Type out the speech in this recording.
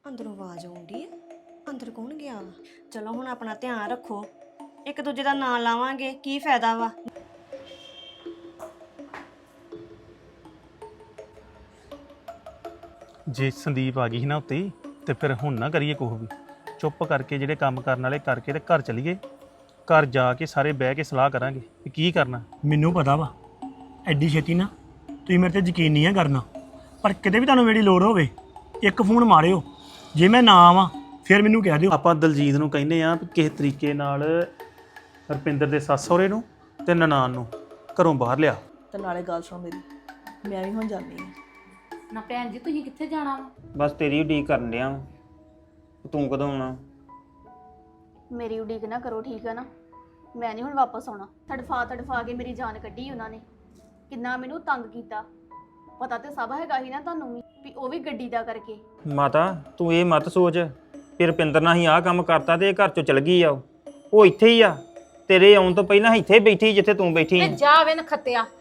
ਅੰਦਰੋਂ ਆਵਾਜ਼ ਆਉਂਦੀ ਹੈ। ਅੰਦਰ ਕੌਣ ਗਿਆ ਵਾ? ਚਲੋ ਹੁਣ ਆਪਣਾ ਧਿਆਨ ਰੱਖੋ, ਇੱਕ ਦੂਜੇ ਦਾ ਨਾਂ ਲਾਵਾਂਗੇ ਕੀ ਫਾਇਦਾ ਵਾ। ਜੇ ਸੰਦੀਪ ਆ ਗਈ ਸੀ ਨਾ ਉੱਤੇ ਹੀ, ਤੇ ਫਿਰ ਹੁਣ ਨਾ ਕਰੀਏ ਕੁਛ ਵੀ। ਚੁੱਪ ਕਰਕੇ ਜਿਹੜੇ ਕੰਮ ਕਰਨ ਵਾਲੇ ਕਰਕੇ ਤੇ ਘਰ ਚਲੀਏ। ਘਰ ਜਾ ਕੇ ਸਾਰੇ ਬਹਿ ਕੇ ਸਲਾਹ ਕਰਾਂਗੇ ਕਿ ਕੀ ਕਰਨਾ। ਮੈਨੂੰ ਪਤਾ ਵਾ ਐਡੀ ਛੇਤੀ ਨਾ ਤੁਸੀਂ ਮੇਰੇ ਤੇ ਯਕੀਨ ਨਹੀਂ ਆ ਕਰਨਾ, ਪਰ ਕਿਤੇ ਵੀ ਤੁਹਾਨੂੰ ਮੇਰੀ ਲੋੜ ਹੋਵੇ ਇੱਕ ਫੋਨ ਮਾਰਿਓ। ਜੇ ਮੈਂ ਨਾ ਆਵਾਂ ਫਿਰ ਮੈਨੂੰ ਕਹਿ ਦਿਓ। ਆਪਾਂ ਦਲਜੀਤ ਨੂੰ ਕਹਿੰਦੇ ਆ ਵੀ ਕਿਸੇ ਤਰੀਕੇ ਨਾਲ ਰੁਪਿੰਦਰ ਦੇ ਸੱਸ ਸਹੁਰੇ ਨੂੰ ਤੇ ਨਨਾਣ ਨੂੰ ਘਰੋਂ ਬਾਹਰ ਲਿਆ। ਤੇ ਨਾਲੇ ਗੱਲ ਸੁਣ ਮੇਰੀ, ਮੈਂ ਵੀ ਹੁਣ ਜਾਂਦੀ ਹਾਂ। ਨਾ ਭੈਣ ਜੀ ਤੁਸੀਂ ਕਿੱਥੇ ਜਾਣਾ ਵਾ? ਬਸ ਤੇਰੀ ਉਡੀਕ ਕਰਨ ਡਿਆ ਵਾਂ। ਤੂੰ ਕਦੋਂ ਆਉਣਾ? ਮੇਰੀ ਉਡੀਕ ਨਾ ਕਰੋ, ਠੀਕ ਹੈ ਨਾ? ਮੈਂ ਨਹੀਂ ਹੁਣ ਵਾਪਸ ਆਉਣਾ। ਤੜਫਾ ਕੇ ਮੇਰੀ ਜਾਨ ਕੱਢੀ ਉਹਨਾਂ ਨੇ, ਕਿੰਨਾ ਮੈਨੂੰ ਤੰਗ ਕੀਤਾ। ਪਤਾ ਤੇ ਸਭ ਹੈਗਾ ਹੀ ਨਾ ਤੁਹਾਨੂੰ ਵੀ ਉਹ ਵੀ ਗੱਡੀ ਦਾ ਕਰਕੇ। ਮਾਤਾ ਤੂੰ ਇਹ ਮਤ ਸੋਚ ਕਿ ਰੁਪਿੰਦਰ ਨਾਲ ਹੀ ਆਹ ਕੰਮ ਕਰਤਾ ਤੇ ਇਹ ਘਰ ਚੋਂ ਚਲ ਗਈ ਆ। ਉਹ ਇੱਥੇ ਹੀ ਆ, ਤੇਰੇ ਆਉਣ ਤੋਂ ਪਹਿਲਾਂ ਇੱਥੇ ਬੈਠੀ ਜਿੱਥੇ ਤੂੰ ਬੈਠੀ ਤੇ ਆ। ਜਾ ਵੇ ਨਖੱਤਿਆ,